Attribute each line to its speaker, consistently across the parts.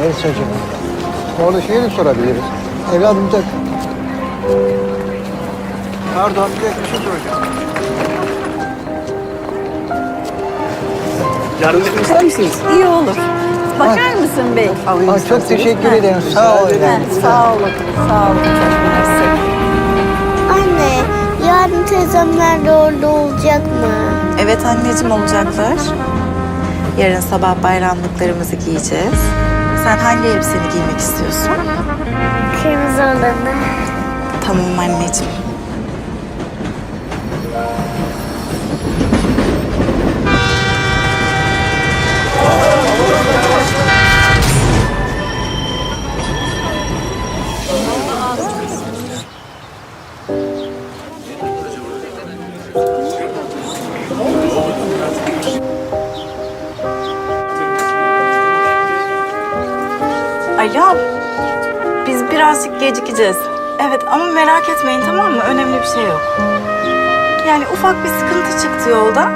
Speaker 1: Evet çocuğum. Orada şeyi de sorabiliriz. Evladım da... Pardon, bir şey soracağım.
Speaker 2: Yardım etmek ister misiniz?
Speaker 3: İyi olur. Bakar mısın bey?
Speaker 1: Çok teşekkür ederim. Sağ ol efendim.
Speaker 3: Sağ olun. Sağ olun. Çok mersi.
Speaker 4: Anne, yarın teyzemler de orada olacak mı?
Speaker 5: Evet anneciğim olacaklar. Yarın sabah bayramlıklarımızı giyeceğiz. Sen hangi elbiseni giymek istiyorsun?
Speaker 4: Kırmızı olanı.
Speaker 5: Tamam anneciğim. Alo, biz birazcık gecikeceğiz. Evet ama merak etmeyin tamam mı? Önemli bir şey yok. Yani ufak bir sıkıntı çıktı yolda.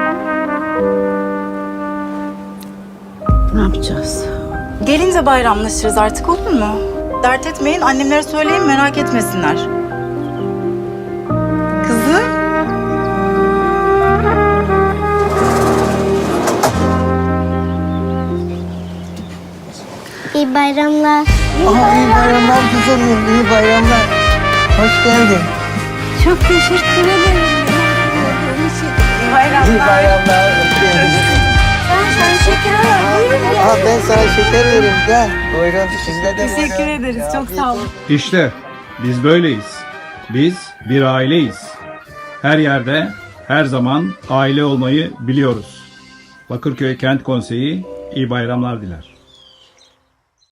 Speaker 3: Ne yapacağız?
Speaker 5: Gelince bayramlaşırız artık olur mu? Dert etmeyin, annemlere söyleyin merak etmesinler. Kızım.
Speaker 4: İyi bayramlar.
Speaker 1: İyi bayramlar kızım, iyi bayramlar. Hoş geldin.
Speaker 3: Çok teşekkür ederim.
Speaker 1: İyi bayramlar. Hoş geldin.
Speaker 4: Sen şeker al. Buyurun gel.
Speaker 1: Ben sana şeker vereyim. Gel. Buyurun. Sizde de
Speaker 5: Teşekkür ederiz, çok sağ olun.
Speaker 6: İşte biz böyleyiz. Biz bir aileyiz. Her yerde, her zaman aile olmayı biliyoruz. Bakırköy Kent Konseyi iyi bayramlar diler.